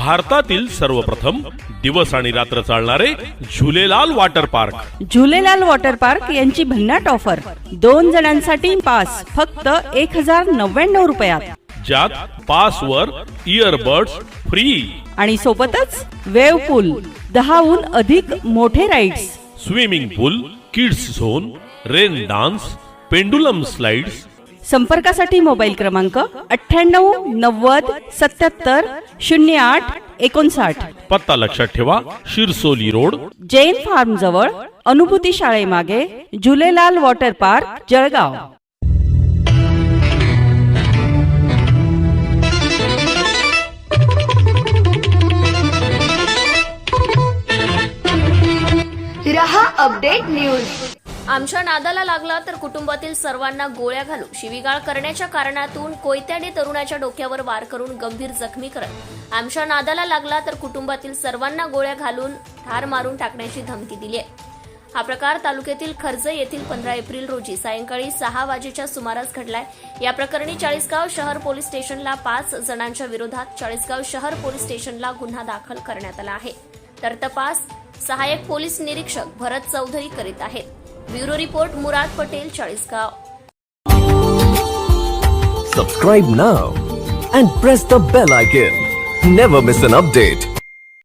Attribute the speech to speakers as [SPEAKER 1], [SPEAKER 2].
[SPEAKER 1] भारतातील सर्वप्रथम दिवस आणि रात्र चालणारे Jhulelal water park.
[SPEAKER 2] Jhulelal water park यांची भन्नाट ऑफर. 2 जणांसाठी पास फक्त 1099 रुपयात,
[SPEAKER 1] ज्यात पास वर इयरबड्स फ्री
[SPEAKER 2] आणि सोबतच वेव पूल, 10हून अधिक मोठे rides,
[SPEAKER 1] swimming pool, kids zone, rain dance, pendulum slides.
[SPEAKER 2] संपर्कासाठी मोबाईल क्रमांक 98 90 77 08 59.
[SPEAKER 1] पत्ता लक्षात ठेवा, शिरसोली रोड,
[SPEAKER 2] जैन फार्म जवळ, अनुभूती शाळेमागे, झुलेलाल वॉटर पार्क, जळगाव.
[SPEAKER 3] रहा अपडेट न्यूज.
[SPEAKER 4] आमच्या नादाला लागला तर कुटुंबातील सर्वांना गोळ्या घालू शिवीगाळ करण्याच्या कारणातून कोयत्याने तरुणाच्या डोक्यावर वार करून गंभीर जखमी करत आमच्या नादाला लागला तर कुटुंबातील सर्वांना गोळ्या घालून ठार मारून टाकण्याची धमकी दिली आहे. हा प्रकार तालुक्यातील खर्जे येथील 15 एप्रिल रोजी सायंकाळी 6 वाजेच्या सुमारास घडलाय. या प्रकरणी चाळीसगाव शहर पोलीस स्टेशनला 5 जणांच्या विरोधात चाळीसगाव शहर पोलीस स्टेशनला गुन्हा दाखल करण्यात आला आहे. तर तपास सहाय्यक पोलीस निरीक्षक भरत चौधरी करीत आहेत. Bureau report Murad Patel, Chalisgaon.
[SPEAKER 5] Subscribe now and press the bell icon. Never miss an update.